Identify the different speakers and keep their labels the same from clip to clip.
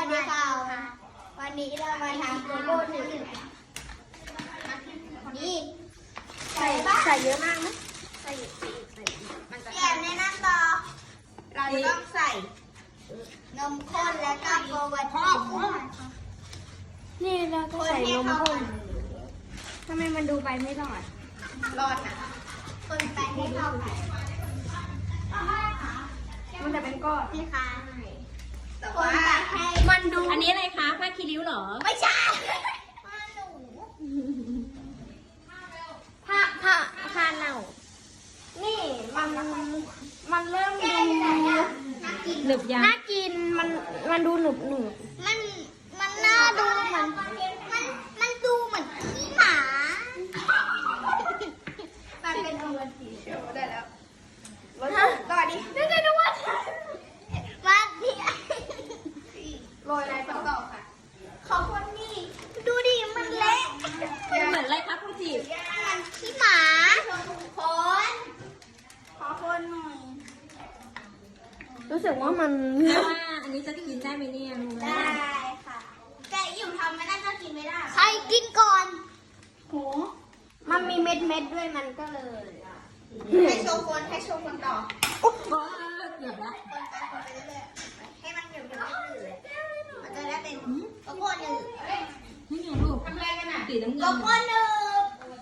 Speaker 1: ดีค่ะวันนี้เรามาทำโกโก้หนึ่งนี่ใส่เยอะมากนะใส่มันจะแอบในน้ำต่อเราต้องใส่นมข้นแล้วก็โกวาทีนี่เราก็ใส่นมข้นทำไมมันดูไปไม่รอดนะคนไปให้เข้ากันมันจะเป็นก้อนที่ค้างแต่ว่ามันดู
Speaker 2: อันนี้อะไรคะผ้าคีริ้วเหรอ
Speaker 1: ไม่ใช่ผ้าหนูผ้าเน่านี่มันเริ่มดู
Speaker 2: หนึบยัง
Speaker 1: น่ากินมันดูหนุบมันน่าดูเหมือนมันดูเหมือนขี้หมามันเป็นโอวัลตินได้แล้วต่อดิได้นะว่าโรยอะไรต่อค่ะขอบคุณนี่ดูดิมันเละ
Speaker 2: เหมือนอะไรครับคุณจี
Speaker 1: มันขี้หมาขอคนหน่อยรู้สึกว่ามัน
Speaker 2: ว่าอันนี้จะกินได้ไหมเนี่ย
Speaker 1: ได้ค่ะแต่อยู่ทำไม่ได้ก็กินไม่ได้ใครกินก่อนโหมันมีเม็ดด้วยมันก็เลยให้โชว์คนต่อ
Speaker 2: เกือบละ
Speaker 1: คนไปเรื่อยๆให้มันหยุดมันจะได้เป็นโกโก้หนึบ
Speaker 2: นี่ไงลูกทำอะไรกันอ่ะสีน้ำเงิน
Speaker 1: โกโก้หนึบ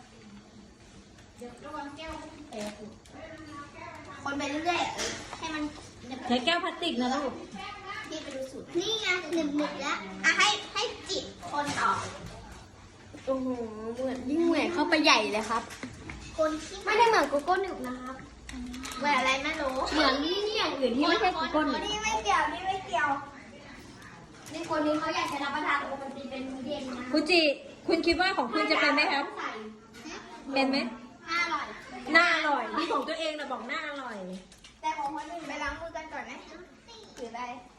Speaker 1: คนไปเรื่อยๆให้มัน
Speaker 2: ใช้แก้วพลาสติกนะลูก
Speaker 1: ที่ไปดูสูตรนี่ไงหนึบแล้วอ่ะให้จิบคนต่อโอ้โหเหมือนยิ่งเหมือนเข้าไปใหญ่เลยครับคนที่ไม่ได้เหมือนโกโก้หนึบนะครับเหมือนอะไรไม่รู้
Speaker 2: เหมือนอย่างอื่นที่ไม่ใช่โกโก้หนึบ
Speaker 1: นี่ไม่เกี่ยวนี่คนนี้เขาอยากจะรับประทานโอวัลตินเป็นมื้อเย็นนะ
Speaker 2: คุณจีคุณคิดว่าของคุณจะเป็นไหมครับเป็นไหม
Speaker 1: น่าอร่อย
Speaker 2: น่าอร่อยที่ของตัวเองนะบอกน่าอร่อย
Speaker 1: แต่ของคนอื่นไปล้างมือกันก่อนนะหรืออะไร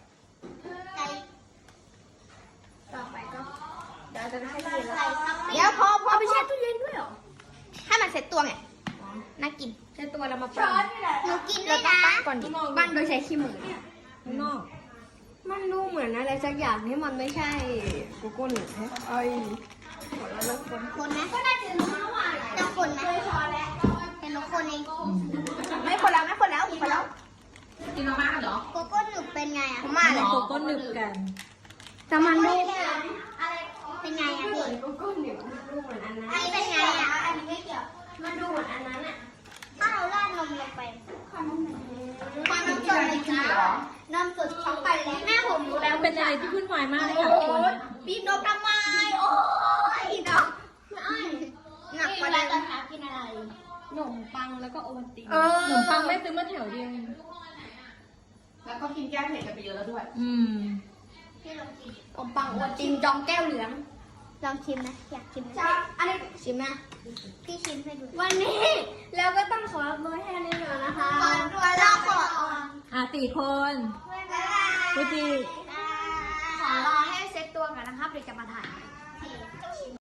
Speaker 1: ต่อไปก็เดี๋ยวจะให้กินแล้วเดี๋ยวพอไปแช่ตู้เย็นด้วยเหรอให้มันเซ็ตตัวไงน่ากิน
Speaker 2: เช็ดตัวเรามาปั้น
Speaker 1: หนูกินด้วยนะ
Speaker 2: ก่อนดิ
Speaker 1: ปั้นโดยใช้ขี้มือ
Speaker 2: ข้างนอก
Speaker 1: มันดูเหมือนอะไรสักอย่างที่มันไม่ใช่โกโก้หนึบเอ้ยแล้วคนไหมก็น่าจะรู้ว่าจะคนไหมเป็นนกคนเองไม่คนแล้ว
Speaker 2: กินมาม่าเหรอ
Speaker 1: โกโก้หนึบเป็นไงอ่ะ
Speaker 2: มาเลยโกโก้หนึบกัน
Speaker 1: แต่มันดูเป็นไงอ่ะพี่โกโก้หนึบดูเหมือนอันนั้นอันนี้เป็นไงอ่ะอันนี้ไม่เกี่ยวมันดูเหมือนอันนั้นอ่ะถ้าเราราดนมลงไปความนมสดเลยจ้านมสดช็อกไปแล้วแม่ผมรู้แล้ว
Speaker 2: เป็นอะไรที่วุ่นวายมากเลยค่ะคุณ
Speaker 1: บีบนมทำไมโอ้ยดอกหนักกว่าตอนหากินอะไร
Speaker 2: ขนมปังแล้วก็โอวัลตินขนมปังไม่ซื้อมาแถวเดียว
Speaker 3: แล้วก็กินแก้เผ็ดกันไปเยอะแล้วด้วย
Speaker 1: พี่ลองกินขนมปังโอวัลตินจองแก้วเหลืองลองชิมนะอยากชิมนะอันนี้ชิมนะพี่ชิมให้ดูวันนี้เราก็ต้องขอโบยแค่นี้ก่อนนะคะก่อนตัวเราขอ
Speaker 2: 4 คนคุณจี
Speaker 1: ขอรอให้เซ็ตตัวก่อนนะครับเดี๋ยวจะมาถ่าย